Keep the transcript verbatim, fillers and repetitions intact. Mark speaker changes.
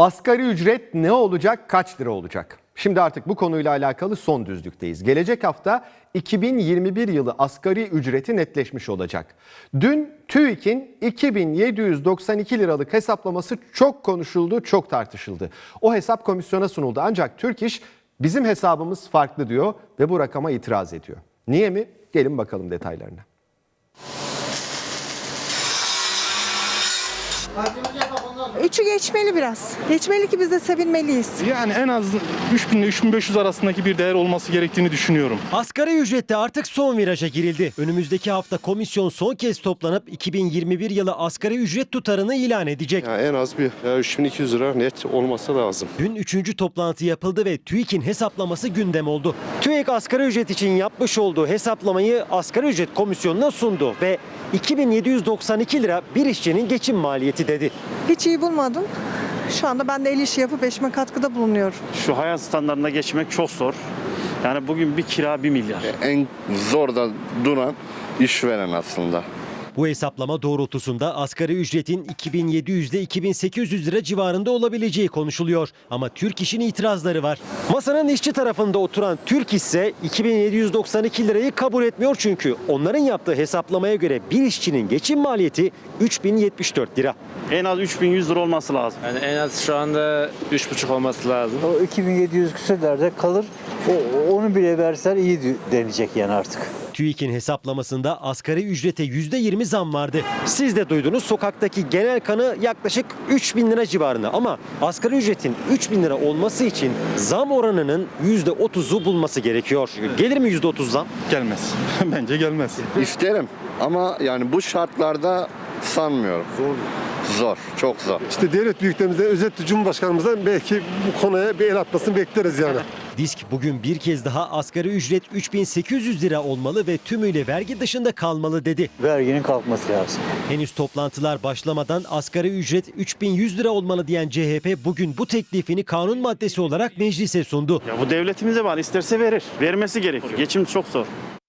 Speaker 1: Asgari ücret ne olacak, kaç lira olacak? Şimdi artık bu konuyla alakalı son düzlükteyiz. Gelecek hafta iki bin yirmi bir yılı asgari ücreti netleşmiş olacak. Dün TÜİK'in iki bin yedi yüz doksan iki liralık hesaplaması çok konuşuldu, çok tartışıldı. O hesap komisyona sunuldu ancak Türk İş bizim hesabımız farklı diyor ve bu rakama itiraz ediyor. Niye mi? Gelin bakalım detaylarına.
Speaker 2: Üçü geçmeli biraz. Geçmeli ki biz de sevinmeliyiz.
Speaker 3: Yani en az üç bin ile üç bin beş yüz arasındaki bir değer olması gerektiğini düşünüyorum.
Speaker 4: Asgari ücrette artık son viraja girildi. Önümüzdeki hafta komisyon son kez toplanıp iki bin yirmi bir yılı asgari ücret tutarını ilan edecek.
Speaker 5: Ya en az bir ya üç bin iki yüz lira net olması lazım.
Speaker 4: Dün üçüncü toplantı yapıldı ve TÜİK'in hesaplaması gündem oldu. TÜİK asgari ücret için yapmış olduğu hesaplamayı asgari ücret komisyonuna sundu ve iki bin yedi yüz doksan iki lira bir işçinin geçim maliyeti dedi.
Speaker 2: Hiç iyi bulmadım. Şu anda ben de el işi yapıp eşime katkıda bulunuyorum.
Speaker 6: Şu hayat standartına geçmek çok zor. Yani bugün bir kira bir milyar.
Speaker 5: En zorda duran işveren aslında.
Speaker 4: Bu hesaplama doğrultusunda asgari ücretin iki bin yedi yüz ile iki bin sekiz yüz lira civarında olabileceği konuşuluyor. Ama Türk İş'in itirazları var. Masanın işçi tarafında oturan Türk İş ise iki bin yedi yüz doksan iki lirayı kabul etmiyor çünkü onların yaptığı hesaplamaya göre bir işçinin geçim maliyeti üç bin yetmiş dört lira.
Speaker 6: En az üç bin yüz lira olması lazım.
Speaker 7: Yani en az şu anda üç buçuk olması lazım.
Speaker 8: O iki bin yedi yüz küsürlerde kalır. O, onu bile verseler iyi denecek yani artık.
Speaker 4: TÜİK'in hesaplamasında asgari ücrete yüzde yirmi zam vardı. Siz de duydunuz, sokaktaki genel kanı yaklaşık üç bin lira civarında ama asgari ücretin üç bin lira olması için zam oranının yüzde otuzu bulması gerekiyor. Gelir mi yüzde otuz zam?
Speaker 3: Gelmez. Bence gelmez.
Speaker 5: İsterim ama yani bu şartlarda sanmıyorum. Zor. Zor, çok zor.
Speaker 9: İşte devlet büyüklerimizden, özellikle Cumhurbaşkanımızdan belki bu konuya bir el atmasını bekleriz yani.
Speaker 4: Disk bugün bir kez daha asgari ücret üç bin sekiz yüz lira olmalı ve tümüyle vergi dışında kalmalı dedi.
Speaker 8: Verginin kalkması lazım.
Speaker 4: Henüz toplantılar başlamadan asgari ücret üç bin yüz lira olmalı diyen C H P bugün bu teklifini kanun maddesi olarak meclise sundu.
Speaker 6: Ya bu devletimize bağlı, isterse verir. Vermesi gerekiyor. Geçim çok zor.